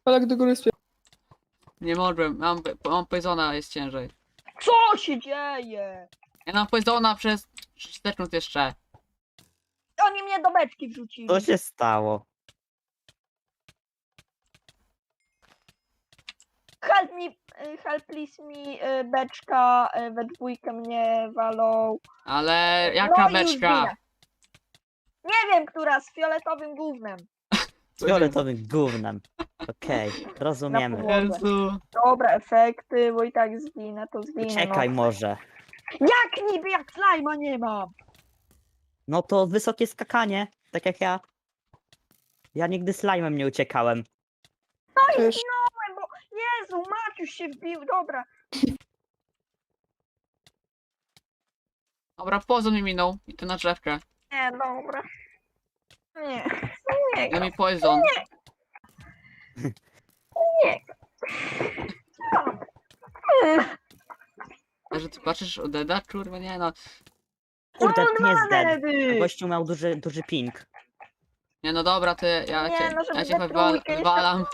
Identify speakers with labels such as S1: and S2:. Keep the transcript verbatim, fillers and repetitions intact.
S1: Palak do góry spie...
S2: Nie mogłem, mam, mam poisona, jest ciężej.
S3: Co się dzieje?
S2: Ja mam poisona przez sześć sekund jeszcze.
S3: Oni mnie do beczki wrzucili.
S4: Co się stało?
S3: Help me, y, help please mi, y, beczka, y, we dwójkę mnie walą.
S2: Ale jaka
S3: No i
S2: beczka?
S3: zginę. Nie wiem, która, z fioletowym gównem.
S4: Z fioletowym gównem. Okej, rozumiemy.
S3: podłodze.
S2: Jezu.
S3: Dobra, efekty, bo i tak zginę, to zginę.
S4: Czekaj
S3: no.
S4: może.
S3: Jak niby, jak slajma nie mam?
S4: No to wysokie skakanie, tak jak ja. Ja nigdy slime'em nie uciekałem.
S1: Też.
S3: Bo, Jezu, Maciuś się wbił, dobra.
S2: Dobra, poison mi minął. I to na drzewkę.
S3: Nie, dobra. Nie, nie,
S2: Ja mi poison.
S3: nie.
S2: A że ty patrzysz o Deda? Kurwa nie no.
S4: Kurde,
S3: On
S4: nie
S3: ma
S4: jest dead.
S3: nedy.
S4: Gościu miał duży, duży ping.
S2: Nie no dobra, ty ja
S3: Nie,
S2: cię,
S3: no żeby
S2: ja cię
S3: we
S2: wywal,
S3: trójkę jeszcze-
S2: wywalam.